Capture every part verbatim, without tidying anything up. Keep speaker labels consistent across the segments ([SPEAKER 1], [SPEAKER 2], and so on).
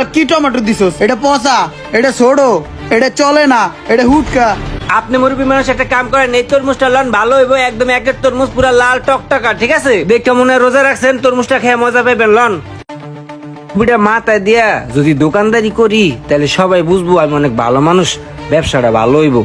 [SPEAKER 1] কি টমেটো দিছস? এটা পচা, এটা ছোড়ো, এটা চলে না, এটা হুটকা।
[SPEAKER 2] আপনি মুরব্বী মানুষ একটা কাম করেন, এই তরমুজটা লন, ভালো হইব একদম। একের তরমুজ পুরা লাল টকটকা, ঠিক আছে? দেখে মনে হয় রোজা রাখছেন, তরমুজটা খেয়ে মজা পাইবেন। লন বুড়া মাথায় দিয়া যদি দোকানদারি করি তাহলে সবাই বুঝবো আমি অনেক ভালো মানুষ, ব্যবসাটা ভালো হইব।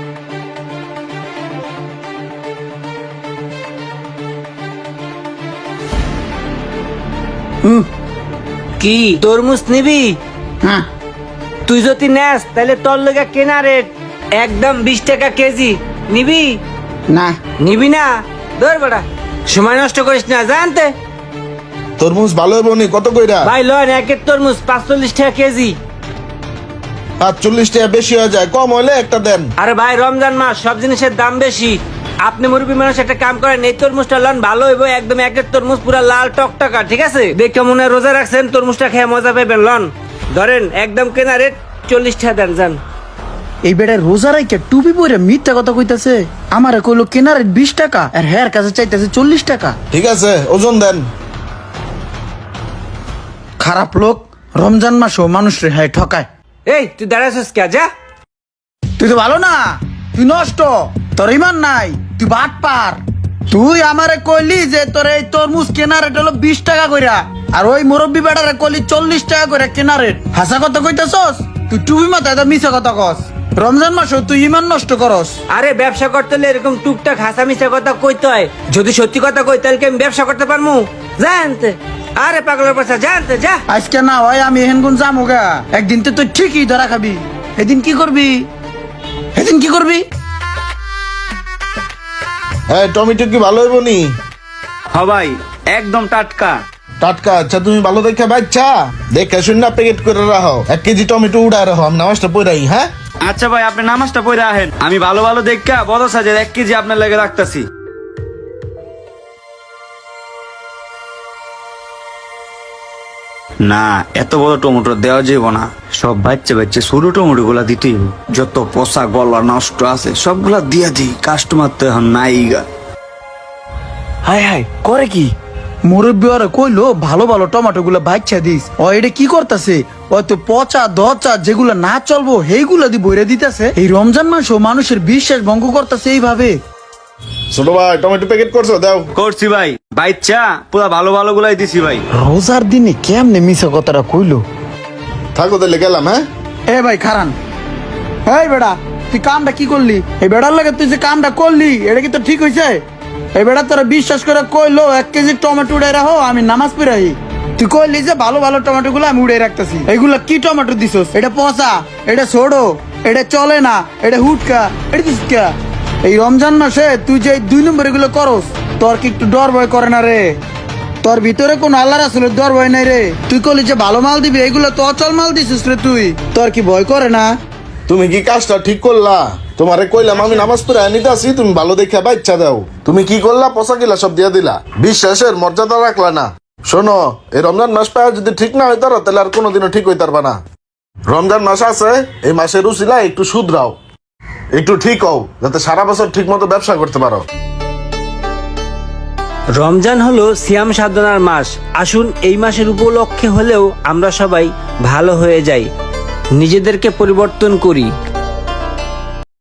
[SPEAKER 2] কি তরমুজ নিবি?
[SPEAKER 1] হ্যাঁ
[SPEAKER 2] তুই যদি নেস তাহলে তোর লগে কেনা রেট একদম বিশ টাকা কেজি। নিবি?
[SPEAKER 1] না
[SPEAKER 2] নিবি না? ধর বেটা, সময় নষ্ট করিস না, জানতে।
[SPEAKER 3] তরমুজ ভালো হবে নি? কত কইরা?
[SPEAKER 2] ভাই লন, একের তরমুজ পাঁচচল্লিশ টাকা কেজি।
[SPEAKER 3] পাঁচচল্লিশ টাকা বেশি হয়ে যায়, কম হলে একটা দেন।
[SPEAKER 2] আরে ভাই রমজান মাস, সব জিনিসের দাম বেশি। আপনি মুরব্বী মানুষ একটা কাম করেন, এই তরমুজটা লন, ভালো হইব একদম। একের তরমুজ পুরা লাল টকটকা, ঠিক আছে? দেখে মনে হয় রোজা রাখছেন, তরমুজটা খেয়ে মজা পাইবেন। লন ধরেন, একদম কেনা রেট চল্লিশ টাকা দেন, যান।
[SPEAKER 1] এই বেটার রোজা রাইকে টুপি পরে মিথ্যা কথা কইতাছে। আমারে কইলো কেনার রেট বিশ টাকা আর হের কাছে চাইতেছে চল্লিশ টাকা।
[SPEAKER 3] ঠিক আছে, ওজন দেন।
[SPEAKER 1] খারাপ লোক, রমজান মাসও মানুষ রে হ্যাঁ ঠকায়।
[SPEAKER 2] এই তুই দাঁড়াছিস কে? যা।
[SPEAKER 1] তুই তো ভালো না, তুই নষ্ট, তোর ইমান নাই, তুই বাট পার। তুই আমারে কইলি যে তোর এই তরমুজ কেনার রেট হলো বিশ টাকা কইরা, আর ওই মুরব্বী বেটারে কইলি চল্লিশ টাকা কইরা কেনার রেট। হাসা কথা কইতাছস? তুই টুপি মাথায় তো মিছা কথা কস। রমজান মাসও তুই ইমান নষ্ট করস।
[SPEAKER 2] আরে ব্যবসা করতে হলে এরকম টুকটাক হাসা মিশা কথা কইতে হয়। যদি সত্যি কথা কই তাহলে কি আমি ব্যবসা করতে পারমু? জানতে। আরে পাগলের পাশা, জানতে যা।
[SPEAKER 1] আজকে না হয় আমি এহেন গুণ যামু গা, একদিন তো তুই ঠিকই ধরা খাবি। এদিন কি করবি? এদিন কি করবি?
[SPEAKER 3] হ্যাঁ, টমেটো কি ভালো হইব নি?
[SPEAKER 4] হ ভাই, একদম টাটকা।
[SPEAKER 3] টাটকা? আচ্ছা, তুমি ভালো দেখে বাচ্চা দেখে শূন্য প্যাকেট করে রাখো। এক কেজি টমেটো উড়ায় রাখো, আমি নামাজটা পড়াই। হ্যাঁ
[SPEAKER 4] আচ্ছা ভাই, আপনি নামাজটা পড়ে আহেন, আমি ভালো ভালো দেখা বড় সাজের এক কেজি আপনার লাগে রাখতাছি। না, এত বড় টমেটো দেওয়া যাবে না। সব বাচ্চা বাচ্চা ছোট টমেটো গুলা দিতেই হবে। যত পচা গলা নষ্ট আছে সবগুলা দিয়া দিই, কাস্টমার তো এখন নাই গা।
[SPEAKER 1] হাই হাই করে কি? মুরব্বী ওরা কইলো ভালো ভালো টমেটো গুলা বাচ্চা দিস। ও এটা কি করতেছে? ওই তো পচা দচা যেগুলা না চলবো সেইগুলা দি বইরে দিতেছে। এই রমজান মাসও মানুষের বিশ্বাস ভঙ্গ করতেছে এইভাবে।
[SPEAKER 3] ছোট ভাই, টমেটো প্যাকেট করছো? দাও।
[SPEAKER 4] করছি ভাই, বাচ্চা পুরা ভালো ভালো গুলাই দিছি ভাই।
[SPEAKER 1] রোজার দিনে কেমনে মিছা কথাটা কইলো?
[SPEAKER 3] থাকো তাহলে, গেলাম। হ্যাঁ
[SPEAKER 1] এ ভাই খারান, এই বেড়া তুই কামটা কি করলি? এই বেড়ার লাগে তুই যে কামটা করলি এটা কি তো ঠিক হয়েছে? এই বেড়া তোরা বিশ্বাস করে কইলো এক কেজি টমেটো উড়াই রাখো, আমি নামাজ পড়াই। তুই কইলি যে ভালো ভালো টমেটো গুলো আমি উড়াই রাখতেছি। এইগুলা কি টমেটো দিছস? এটা পচা, এটা ছোড়ো, এটা চলে না, এটা হুটকা, এটা দিস কে? এই রমজান মাসে তুই যে দুই নম্বর এগুলো করস, তোর কি একটু ডর ভয় করে না রে? তোর ভিতরে কোন আল্লাহ রাসূলের ডর ভয় নাই রে? তুই কইলি যে ভালো মাল দিবি, এইগুলো তো অচল মাল দিছিস রে তুই। তোর কি ভয় করে না?
[SPEAKER 3] তুমি কি কাজটা ঠিক করলা? তোমারে কইলাম আমি নামাজ পড়ে নিতে আসি, তুমি ভালো দেখে বাচ্চা দাও। তুমি কি করলা? পচা গিলা সব দিয়া দিলা, বিশ্বাসের মর্যাদা রাখলা না। শোনো, এই রমজান মাস পায় যদি ঠিক না হইতারো তাহলে আর কোনোদিনও ঠিক হইতার না। রমজান মাস আছে, এই মাসের উসিলা একটু শুধরাও, একটু ঠিক হও, যাতে সারা বছর ঠিক মতো ব্যবসা করতে পারো।
[SPEAKER 2] রমজান হলো সিয়াম সাধনার মাস। আসুন এই মাসের উপলক্ষে হলেও আমরা সবাই ভালো হয়ে যাই, নিজেদেরকে পরিবর্তন করি।